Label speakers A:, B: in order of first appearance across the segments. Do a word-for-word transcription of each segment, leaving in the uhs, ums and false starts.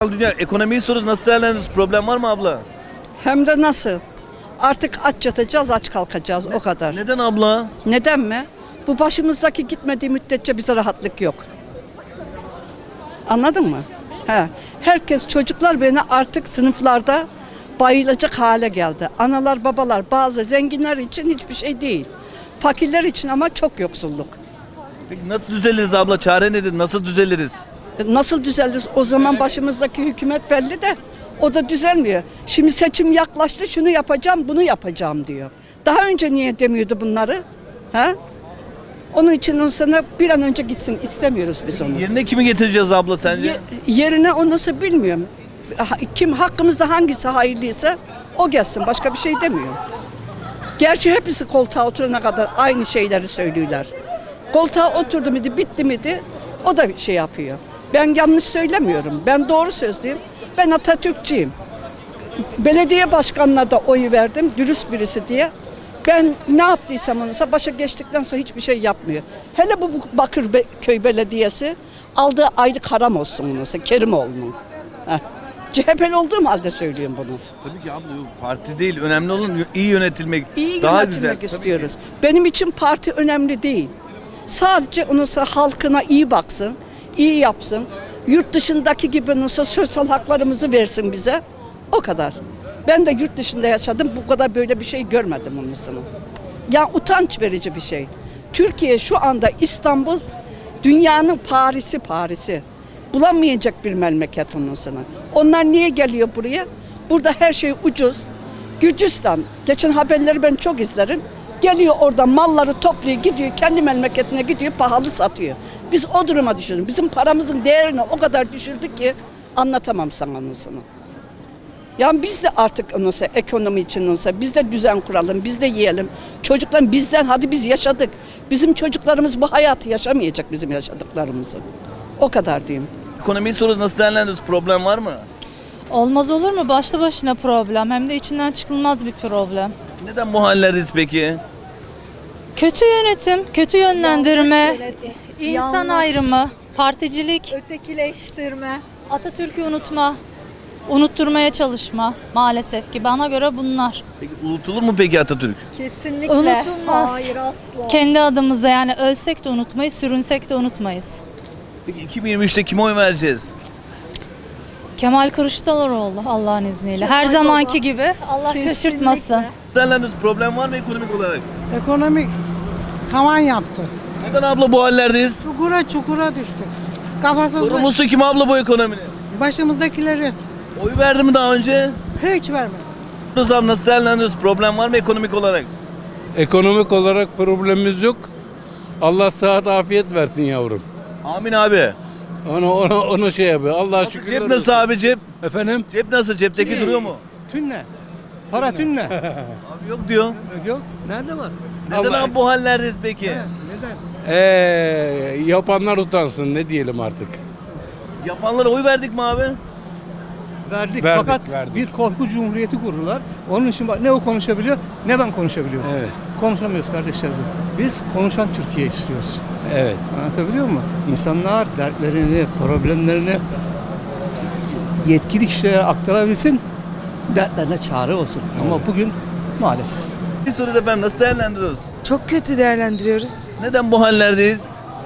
A: Dünya ekonomiyi soruyoruz, nasıl değerlendiriyoruz? Problem var mı abla?
B: Hem de nasıl? Artık aç yatacağız, aç kalkacağız o kadar.
A: Neden abla?
B: Neden mi? Bu başımızdaki gitmediği müddetçe bize rahatlık yok. Anladın mı? He. Herkes, çocuklar beni artık sınıflarda bayılacak hale geldi. Analar, babalar, bazı zenginler için hiçbir şey değil. Fakirler için ama çok yoksulluk.
A: Peki nasıl düzeliriz abla? Çare nedir? Nasıl düzeliriz?
B: Nasıl düzelir? O zaman başımızdaki hükümet belli de o da düzelmiyor. Şimdi seçim yaklaştı, şunu yapacağım, bunu yapacağım diyor. Daha önce niye demiyordu bunları? Ha? Onun için o sana bir an önce gitsin, istemiyoruz biz onu.
A: Yerine kimi getireceğiz abla sence?
B: Ye- yerine o nasıl bilmiyorum. Ha- Kim hakkımızda hangisi hayırlıysa o gelsin, başka bir şey demiyorum. Gerçi hepsi koltuğa oturana kadar aynı şeyleri söylüyorlar. Koltuğa oturdu muydu, bitti miydi o da şey yapıyor. Ben yanlış söylemiyorum. Ben doğru sözlüyüm. Ben Atatürkçüyüm. Belediye başkanına da oy verdim. Dürüst birisi diye. Ben ne yaptıysam onunsa başa geçtikten sonra hiçbir şey yapmıyor. Hele bu Bakırköy Belediyesi aldığı aylık haram olsun onunsa. Kerimoğlu'nun. Heh. C H P'li olduğum halde söylüyorum bunu.
A: Tabii ki abla yok, parti değil. Önemli olan iyi yönetilmek.
B: İyi
A: daha
B: yönetilmek
A: güzel.
B: istiyoruz. Benim için parti önemli değil. Sadece onunsa halkına iyi baksın, iyi yapsın. Yurt dışındaki gibi nasıl sosyal haklarımızı versin bize. O kadar. Ben de yurt dışında yaşadım. Bu kadar böyle bir şey görmedim onun sana. Ya utanç verici bir şey. Türkiye şu anda İstanbul dünyanın Paris'i Paris'i. Bulamayacak bir memleket onun sana. Onlar niye geliyor buraya? Burada her şey ucuz. Gürcistan, geçen haberleri ben çok izlerim. Geliyor orada malları topluyor, gidiyor kendi memleketine gidiyor, pahalı satıyor. Biz o duruma düşürdük. Bizim paramızın değerini o kadar düşürdük ki anlatamam sana onu sana. Yani biz de artık onunsa, ekonomi için olsa biz de düzen kuralım, biz de yiyelim. Çocuklar bizden, hadi biz yaşadık. Bizim çocuklarımız bu hayatı yaşamayacak, bizim yaşadıklarımızı. O kadar diyeyim.
A: Ekonomiyi soruyoruz, nasıl değerlendiriyoruz? Problem var mı?
C: Olmaz olur mu? Başlı başına problem. Hem de içinden çıkılmaz bir problem.
A: Neden bu hallerdeyiz peki?
C: Kötü yönetim, kötü yönlendirme,
D: Yanlış yönetim,
C: insan
D: yanlış.
C: ayrımı, particilik,
D: Ötekileştirme.
C: Atatürk'ü unutma, unutturmaya çalışma maalesef ki bana göre bunlar.
A: Peki unutulur mu peki Atatürk?
D: Kesinlikle.
C: Unutulmaz.
D: Hayır asla.
C: Kendi adımıza yani ölsek de unutmayız, sürünsek de unutmayız.
A: Peki iki bin yirmi üçte kime oy vereceğiz?
C: Kemal Kılıçdaroğlu Allah'ın izniyle. Her
D: Kemal
C: zamanki
D: Baba.
C: gibi Allah
D: Kesinlikle.
C: şaşırtmasın.
A: Değerlendiriyoruz. Problem var mı ekonomik olarak?
E: Ekonomik tavan yaptı.
A: Neden abla bu hallerdeyiz?
E: Çukura çukura düştük. Kafasızlık.
A: Sorumlusu kim abla bu ekonominin?
E: Başımızdakileri
A: Oy verdi mi daha önce?
E: hiç vermedi.
A: Abi nasıl değerlendiriyoruz? Problem var mı ekonomik olarak?
F: Ekonomik olarak problemimiz yok. Allah sıhhat afiyet versin yavrum.
A: Amin abi.
F: Onu onu onu şey yapıyor. Allah
A: Nasıl,
F: şükür.
A: cep nasıl abi cep?
F: Efendim?
A: Cep nasıl? Cepteki duruyor mu?
G: Tünne. Para tünne.
A: Abi yok diyor.
G: Yok. Nerede var?
A: Neden
F: Allah-
A: abi bu hallerdeyiz peki?
G: Neden?
F: Ee, yapanlar utansın ne diyelim artık.
A: Yapanlara oy verdik mi abi?
G: Verdik,
F: Verdik,
G: fakat
F: verdik.
G: bir korku cumhuriyeti kurdular. Onun için bak, ne o konuşabiliyor ne ben konuşabiliyorum.
F: Evet.
G: Konuşamıyoruz kardeşlerim. Biz konuşan Türkiye istiyoruz.
F: Evet.
G: Anlatabiliyor muyum? İnsanlar dertlerini, problemlerini yetkili kişilere aktarabilsin, dertlerine çare olsun. Ama bugün maalesef.
A: Bir soru efendim, nasıl değerlendiriyoruz?
H: Çok kötü değerlendiriyoruz.
A: Neden bu hallerdeyiz?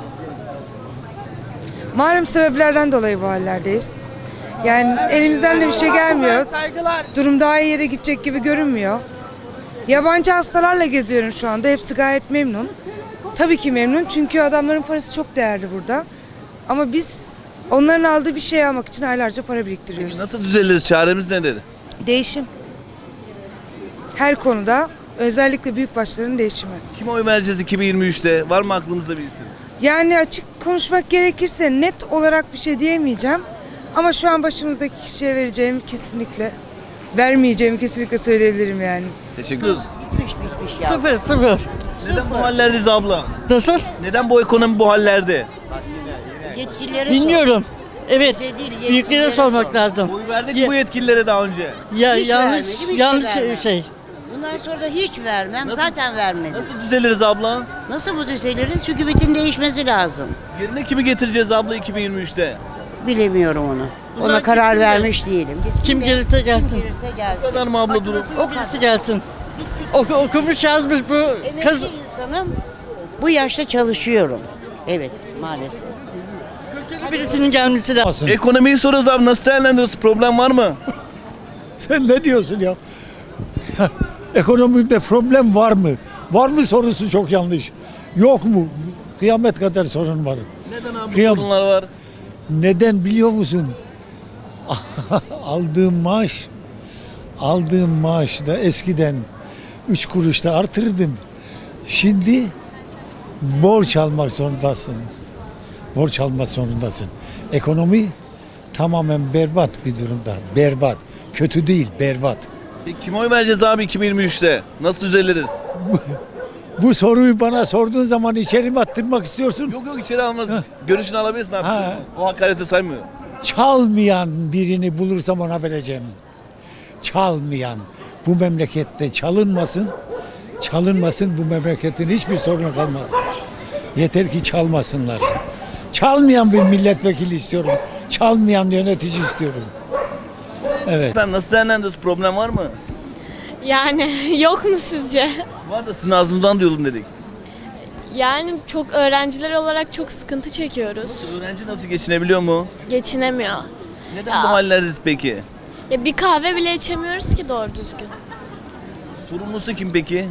H: Malum sebeplerden dolayı bu hallerdeyiz. Yani elimizden de bir şey gelmiyor. Durum daha iyi yere gidecek gibi görünmüyor. Yabancı hastalarla geziyorum şu anda. Hepsi gayet memnun. Tabii ki memnun çünkü adamların parası çok değerli burada. Ama biz onların aldığı bir şey almak için aylarca para biriktiriyoruz.
A: Nasıl düzeliriz? Çaremiz nedir?
H: Değişim. Her konuda özellikle büyükbaşların değişimi.
A: Kime oy vereceğiz iki bin yirmi üçte? Var mı aklımızda bir isim?
H: Yani açık konuşmak gerekirse net olarak bir şey diyemeyeceğim. Ama şu an başımızdaki kişiye vereceğimi kesinlikle, vermeyeceğimi kesinlikle söyleyebilirim yani.
A: Teşekkür ederiz.
I: Sıfır sıfır.
A: Neden bu hallerdeyiz abla?
I: Nasıl?
A: Neden bu ekonomi bu hallerde?
J: Yetkililere
I: Bilmiyorum. Evet.
J: Şey değil,
I: Büyüklere
J: yetkililere
I: sormak
J: sor.
I: lazım.
A: Oy verdik
I: Ye-
A: bu yetkililere daha önce.
I: Ya
J: Hiç
I: yanlış
J: vermedim, hiç
I: yanlış
J: vermem.
I: şey.
J: Bundan sonra da hiç vermem.
A: Nasıl-
J: Zaten vermedim.
A: Nasıl düzeliriz abla?
J: Nasıl bu düzeliriz? Hükümetin değişmesi lazım.
A: Yerine kimi getireceğiz abla iki bin yirmi üçte?
J: bilemiyorum onu. Ona
I: Bunlar
J: karar
I: gitsin de.
J: vermiş değilim. Gitsin
I: Kim
J: de,
I: gelirse gelsin.
J: Kim gelirse
A: Bu
J: gelsin.
A: kadar mı abla durum?
I: O birisi gelsin. Oku, okumuş yazmış bu
J: Emekli
I: kız.
J: insanım. Bu yaşta çalışıyorum. Evet, maalesef.
I: Birisinin gelmesi lazım.
A: Ekonomiyi soruyoruz abi, nasıl değerlendiriyorsun? Problem var mı?
K: Sen ne diyorsun ya? Ekonomide problem var mı? Var mı sorusu çok yanlış. Yok mu? Kıyamet kadar sorun var.
A: Neden abi bu
K: Kıyam-
A: sorunlar var?
K: Neden biliyor musun? aldığım maaş, aldığım maaşta eskiden üç kuruşta artırdım. Şimdi borç almak zorundasın. Borç almak zorundasın. Ekonomi tamamen berbat bir durumda. Berbat. Kötü değil, berbat.
A: Peki kime oy vereceğiz abi iki bin yirmi üçte? Nasıl düzeliriz?
K: Bu soruyu bana sorduğun zaman içeri mi attırmak istiyorsun?
A: Yok yok, içeri almaz. Görüşünü alabilirsin abi.
K: Ha.
A: O hakareti saymıyor.
K: Çalmayan birini bulursam ona vereceğim. Çalmayan. Bu memlekette çalınmasın. Çalınmasın, bu memleketin hiçbir sorunu kalmaz. Yeter ki çalmasınlar. Çalmayan bir milletvekili istiyorum. Çalmayan yönetici istiyorum. Evet.
A: Efendim nasıl değerlendiriyorsun? Problem var mı?
L: Yani yok mu sizce?
A: Var da sizin ağzınızdan duyalım dedik.
L: Yani çok öğrenciler olarak çok sıkıntı çekiyoruz.
A: Öğrenci nasıl geçinebiliyor mu?
L: Geçinemiyor.
A: Neden
L: Ya.
A: bu hallerdeyiz peki?
L: Ya bir kahve bile içemiyoruz ki doğru düzgün.
A: Sorumlusu kim peki?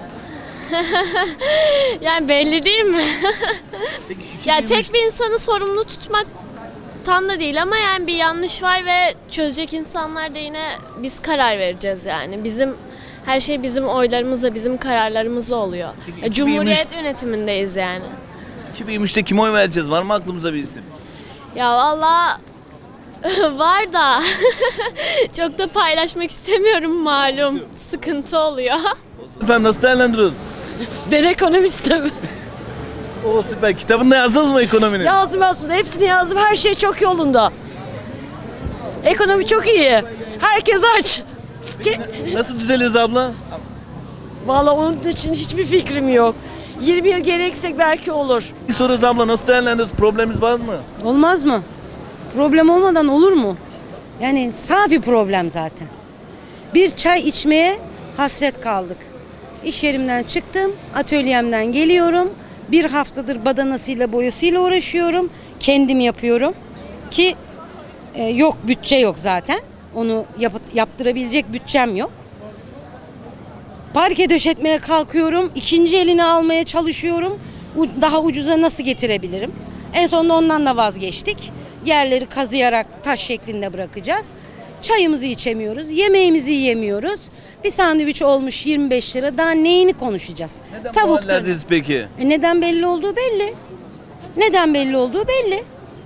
L: Yani belli değil mi?
A: Peki, iki bin
L: Ya
A: yirmi üç
L: tek bir insanı sorumlu tutmaktan da değil ama yani bir yanlış var ve çözecek insanlar da yine biz karar vereceğiz yani. Bizim her şey bizim oylarımızla, bizim kararlarımızla oluyor.
A: Peki,
L: Ya
A: iki bin yirmi üç
L: Cumhuriyet yönetimindeyiz yani.
A: iki bin yirmi üçte kime oy vereceğiz? Var mı aklımıza bir isim?
L: Ya valla var da çok da paylaşmak istemiyorum malum. Sıkıntı oluyor.
A: Efendim nasıl değerlendiriyoruz?
I: Ben ekonomistim.
A: O süper. Kitabında yazdınız mı ekonominin?
I: Yazdım aslında. Hepsini yazdım. Her şey çok yolunda. Ekonomi çok iyi. Herkes aç.
A: Nasıl düzeliriz abla?
I: Vallahi onun için hiçbir fikrim yok. yirmi yıl gereksek belki olur.
A: Bir soruyoruz abla, nasıl değerlendiriyoruz? Problemimiz var mı?
H: Olmaz mı? Problem olmadan olur mu? Yani safi problem zaten. Bir çay içmeye hasret kaldık. İş yerimden çıktım, atölyemden geliyorum. Bir haftadır badanasıyla boyasıyla uğraşıyorum. Kendim yapıyorum ki e, yok bütçe yok zaten. Onu yap- yaptırabilecek bütçem yok. Parke döşetmeye kalkıyorum. İkinci elini almaya çalışıyorum. U- Daha ucuza nasıl getirebilirim? En sonunda ondan da vazgeçtik. Yerleri kazıyarak taş şeklinde bırakacağız. Çayımızı içemiyoruz, yemeğimizi yiyemiyoruz. Bir sandviç olmuş yirmi beş lira. Daha neyini konuşacağız?
A: Neden bu
H: Tavuk
A: hallerdeyiz peki?
H: e neden belli olduğu belli. Neden belli olduğu belli.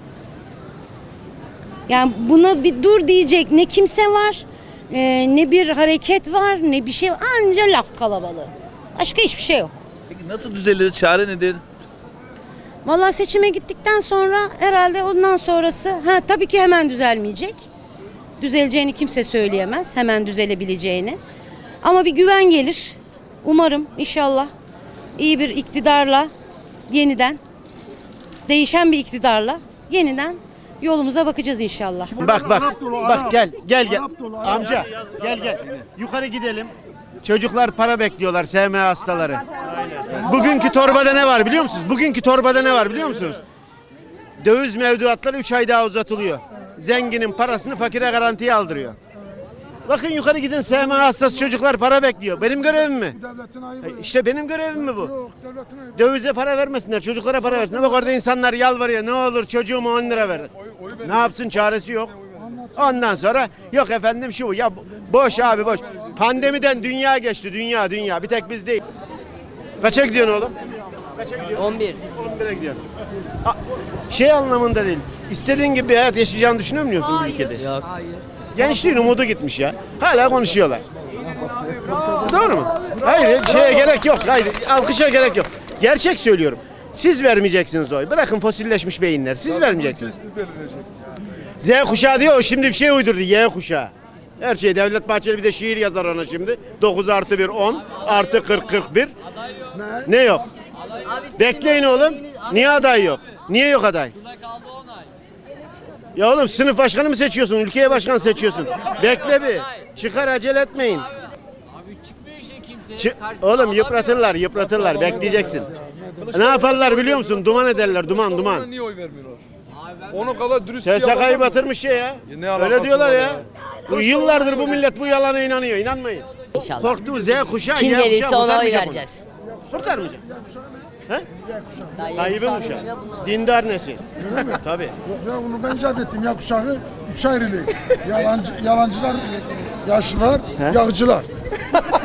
H: Yani buna bir dur diyecek ne kimse var, e, ne bir hareket var, ne bir şey var. Anca laf kalabalığı. Başka hiçbir şey yok.
A: Peki nasıl düzeliriz? Çare nedir?
H: Vallahi seçime gittikten sonra herhalde ondan sonrası ha tabii ki hemen düzelmeyecek. Düzeleceğini kimse söyleyemez. Hemen düzelebileceğini. Ama bir güven gelir. Umarım inşallah iyi bir iktidarla yeniden değişen bir iktidarla yeniden yolumuza bakacağız inşallah.
M: Bak bak bak gel gel gel amca gel gel yukarı gidelim. Çocuklar para bekliyorlar S M A hastaları. Bugünkü torbada ne var biliyor musunuz? Bugünkü torbada ne var biliyor musunuz? Döviz mevduatları üç ay daha uzatılıyor. Zenginin parasını fakire garantiye aldırıyor. Bakın yukarı gidin S M A hastası çocuklar para bekliyor. Benim görevim mi? İşte benim görevim mi bu? Dövize para vermesinler, çocuklara para versinler. Bak orada insanlar yalvarıyor. Ne olur çocuğuma on lira ver. Ne yapsın, çaresi yok. Ondan sonra yok efendim şu bu. Ya boş abi boş. Pandemiden dünya geçti. Dünya dünya. Bir tek biz değil. Kaça gidiyorsun oğlum? Kaça gidiyorsun?
I: on bir.
M: on bire gidiyorsun. A- Şey anlamında değil. İstediğin gibi bir hayat yaşayacağını düşünüyor musun bu ülkede?
I: Yok. Hayır.
M: Gençliğin umudu gitmiş ya. Hala konuşuyorlar. Doğru mu? Hayır, şeye gerek yok. Hayır, alkışa gerek yok. Gerçek söylüyorum. Siz vermeyeceksiniz oy. Bırakın fosilleşmiş beyinler. Siz vermeyeceksiniz. Z kuşağı diyor, o şimdi bir şey uydurdu. Y kuşağı. Her şey Devlet Bahçeli bir de şiir yazar ona şimdi. dokuz artı bir on artı kırk kırk bir. Ne yok? Bekleyin oğlum. Niye aday yok? Niye yok aday? Ya oğlum sınıf başkanı mı seçiyorsun? Ülkeye başkan seçiyorsun. Bekle bir. Çıkar acele etmeyin. Çı- oğlum yıpratırlar yıpratırlar. Bekleyeceksin. Ne yaparlar biliyor musun? Duman ederler. Duman duman.
F: Niye oy vermiyorlar? Onu kadar dürüst
M: S S K'yı batırmış şey ya.
F: Ne alakası
M: Öyle diyorlar
F: var
M: ya.
F: ya?
M: Bu yıllardır bu millet bu yalana inanıyor. İnanmayın.
I: İnşallah.
M: Korktuğu Z kuşağı
I: Kim
M: Y kuşağı
I: gelirse ona oy
M: kurtarmayacak onu.
I: vereceğiz.
M: Kurtarmayacak. He? Tayyip'in kuşağı. Dindar nesil.
K: Öyle mi?
M: Tabii.
K: Yok ya bunu ben icat ettim. Ya kuşağı üç ayrılık. Yalancı, yalancılar, yaşlılar, yağcılar.